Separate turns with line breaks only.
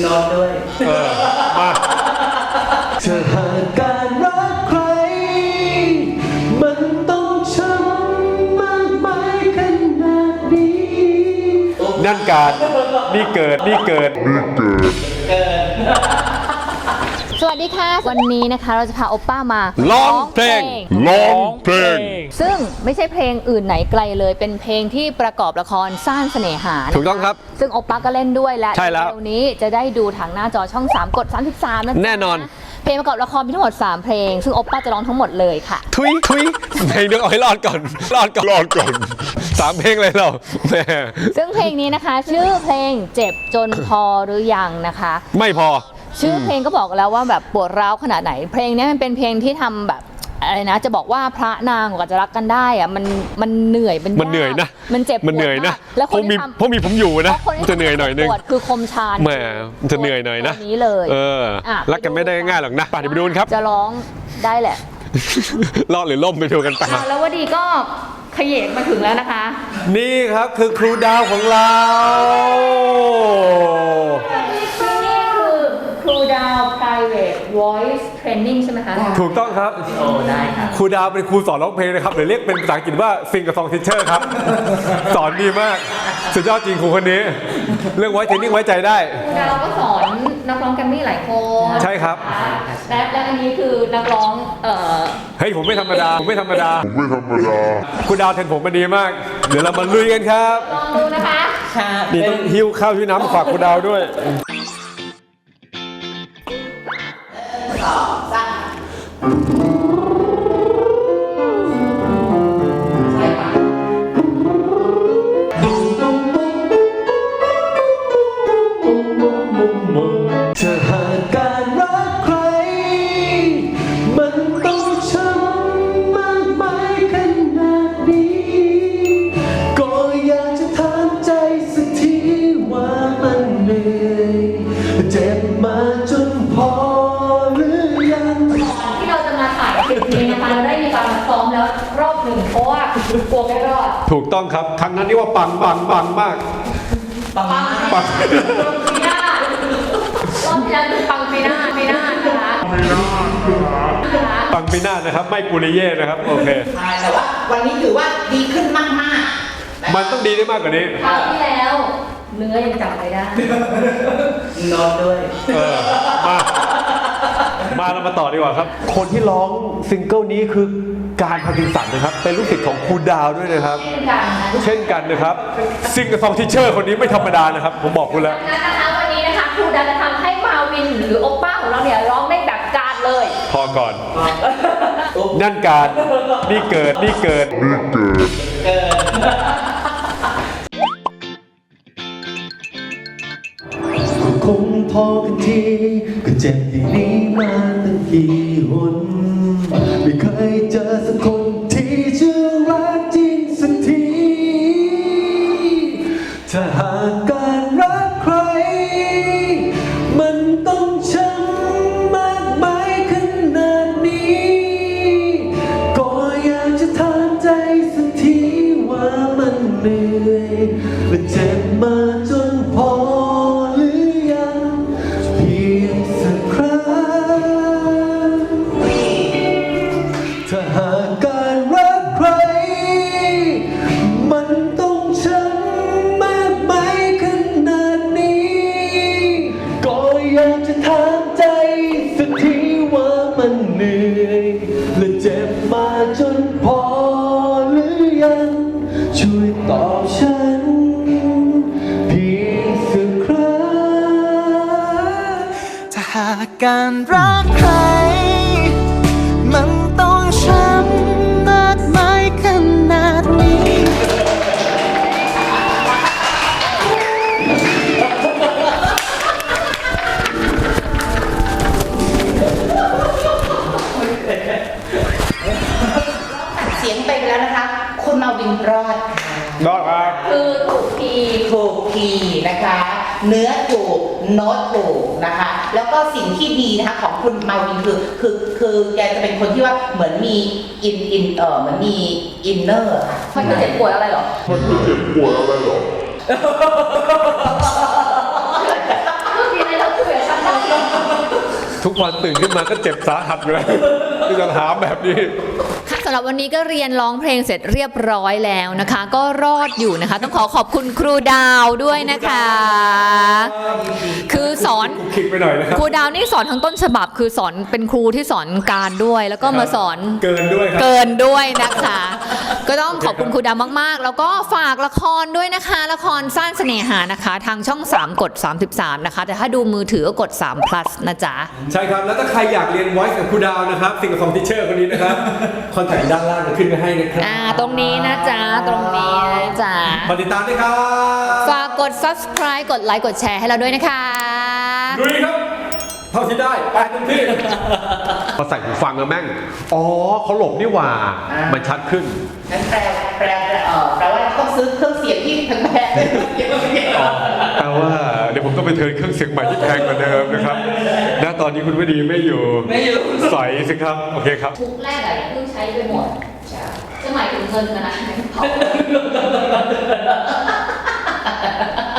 ร้องด้วย
มา
เธอหากการรักใครมันต้องช้ำมากมายขนาดนี้
นั่นการนี่เกิด
สวัสดีค่ะวันนี้นะคะเราจะพาโอป้ามา
ร้องเพลง
ซึ่งไม่ใช่เพลงอื่นไหนไกลเลยเป็นเพลงที่ประกอบละครซ่านเสน่หา
ถูกต้องครับ
ซึ่งโอป้าก็เล่นด้วยและ
ใช่แล้ว
วันนี้จะได้ดูทางหน้าจอช่อง3กด33นะ
แน่นอน
เพลงประกอบละครมีทั้งหมด3เพลงซึ่งโอป้าจะร้องทั้งหมดเลยค่ะ
ทุยเพลงเดียวเอาให้รอดก่อน3เพลงเลยเราแม่
ซึ่งเพลงนี้นะคะชื่อเพลงเจ็บจนพอหรือยังนะคะ
ไม่พอ
ชื่อเพลงก็บอกแล้วว่าแบบปวดร้าวขนาดไหนเพลงนี้มันเป็นเพลงที่ทำแบบอะไรนะจะบอกว่าพระนางกว่าจะรักกันได้อะมันเหนื่อย
มันเหนื่อยนะ
มันเจ็บ
มันเหนื่อยนะ
แล้วคนที่
เพราะมีผมอยู่นะมันจะเหนื่อยหน่อยนึง
คือคมชาญ
แหมมันจะเหนื่อยหน่อยนะ
นี้เลย
รักกันไม่ได้ง่ายหรอกนะไปดูกันครับ
จะร้องได้แหละ
รอดหรือล่มไปดูกันไป
แล้ววดีก็ขยเยกมาถึงแล้วนะคะ
นี่ครับคือครูดาวของเรา
ครูดาว private voice training ใช่ไหมคะ
ถูกต้องครับ
ได้ครับ
ครูดาวเป็นครูสอนร้องเพลงนะครับหรือเรียกเป็นภาษาอังกฤษว่าซิงกับซองทิชเชอร์ครับสอนดีมากสุดยอดจริงครูคนนี้เรื่องไว้เทรนนิ่งไว้ใจได้
ครูดาวก็สอนนักร้องแกรมมี่หลายคน
ใช่ครับ
และอันนี้คือนักร้อง
เฮ้ยผมไม่ธรรมดาครูดาวเทรนผมมาดีมากเดี๋ยวเรามาลุยกันครับ
ลองดูนะคะ
นี่ต้องหิ้วข้าวหิ้วน้ำมาฝากครูดาวด้วย
เธอหากการรักใครมันต้องช้ำมากมายขนาดนี้ก็อยากจะถามใจสักทีว่ามันเหนื่อยเจ็บมาจนพอหรือยัง
ที่เราจะมาถ่ายคลิปนี้นะคะเราได้มีการมาซ้อมแล้วรอบหนึ่งเพราะว่ากลัวไม่รอด
ถูกต้องครับครั้งนั้นนี่ว่าปังมาก
ปังปีหน้ารอบที่แล้วคือปังปีหน้านะคะ
ปังปีหน้านะครับไม่กุริเย่นะครับโอเค
ใช่แต่ว่าวันนี้ถือว่าดีขึ้นมาก
มันต้องดีได้มากกว่านี้
คราวที่แล้วเนื้อยังจำไม่ได้
นอนด้วย
มาเรามาต่อดีกว่าครับคนที่ร้องซิงเกิลนี้คือการพากินสันนะครับเป็นลูกศิษย์ของครูดาวด้วยนะครับเช่นกันนะครับซิงกับซองทิชเชอร์คนนี้ไม่ธรรมดานะครับผมบอกคุณแล้ว
นะคะวันนี้นะคะครูดาวจะทำให้มาวินหรือโอป้าของเราเนี่ยร้องได้แบบการเลย
พอก่อนนั่นการนี่เกิด
คงพอกันทีก็เจ็บอย่างนี้มาตั้งกี่หนไม่เคยเจอสักคนที่ชื่อรักจริงสักทีถ้าหากการรักใครมันต้องช้ำมากมายขนาดนี้ก็อยากจะถามใจสักทีว่ามันเหนื่อยและเจ็บมาจนพอถ้าหากการรักใครมันต้องช้ำมากมายขนาดนี้ก็อยากจะถามใจสักทีว่ามันเหนื่อยและเจ็บมาจนพอหรือยังช่วยตอบฉันเพียงสักครั้งถ้าหากการรักใครมันต้องช้ำมากมายขนาดนี้
เสียงไปแล้วนะคะคุณมาวินรอด
ครับ
คือถูกคีย์
นะคะเนื้อถูกโน้ตถูกนะคะแล้วก็สิ่งที่ดีนะคะของคุณมาวินคือแกจะเป็นคนที่ว่าเหมือนมีเหมือนมีอินเนอร์ค่ะ
มันจะเจ็บปวดอะไรหรอเมื่อกี้ในเราคือ
ทุกวันตื่นขึ้นมาก็เจ็บสาหัสเลยที่จะถามแบบนี้
ค่ะสำหรับวันนี้ก็เรียนร้องเพลงเสร็จเรียบร้อยแล้วนะคะ ก็รอดอยู่นะคะ ต้องขอบคุณครูดาวด้วยนะคะ คือสอน
คิดไปหน่อยนะครับ
ครูดาวนี่สอนทั้งต้นฉบับคือสอนเป็นครูที่สอนการด้วย แล้วก็มาสอน
เกินด้วยครับ
เกินด้วยนะคะ ก็ต้องขอบคุณครูดาวมากๆ แล้วก็ฝากละครด้วยนะคะ ละครสร้างเสน่หานะคะ ทางช่อง 3 กด 33 นะคะ แต่ถ้าดูมือถือก็กด3 plus นะจ๊ะ
ใช่ครับ แล้วถ้าใครอยากเรียน voice กับครูดาวนะครับสิ่งของทิเชอร์คนนี้นะครับ คอนแทคด้านล่างจะขึ้นไปให้นะครับ
ตรงนี้นะจ๊ะ ตรงนี้นะจ๊ะ
มาติดตามด้วยครับ
ฝากกด subscribe กดไลค์ กดแชร์ให้เราด้วยนะคะ
ลุยครับ เท่าที่ได้ ไปเต็มที่พอใส่หูฟังแล้วแม่ง อ๋อเขาหลบนี่หว่า มันชัดขึ้น
งั้นแปลว่าต้องซื้อเครื่องเสียงที่แพงๆเลย
แปลว่าเดี๋ยวผมต้องไปเทิร์นเครื่องเสียงใหม่ที่แพงกว่าเดิมนะครับณตอนนี้คุณวดีไม่อยู่ใส่สิครับ โอเคครับ
ทุกแรกอะเพิ่งใช้ไปหมดจะหมายถึงเงินนะ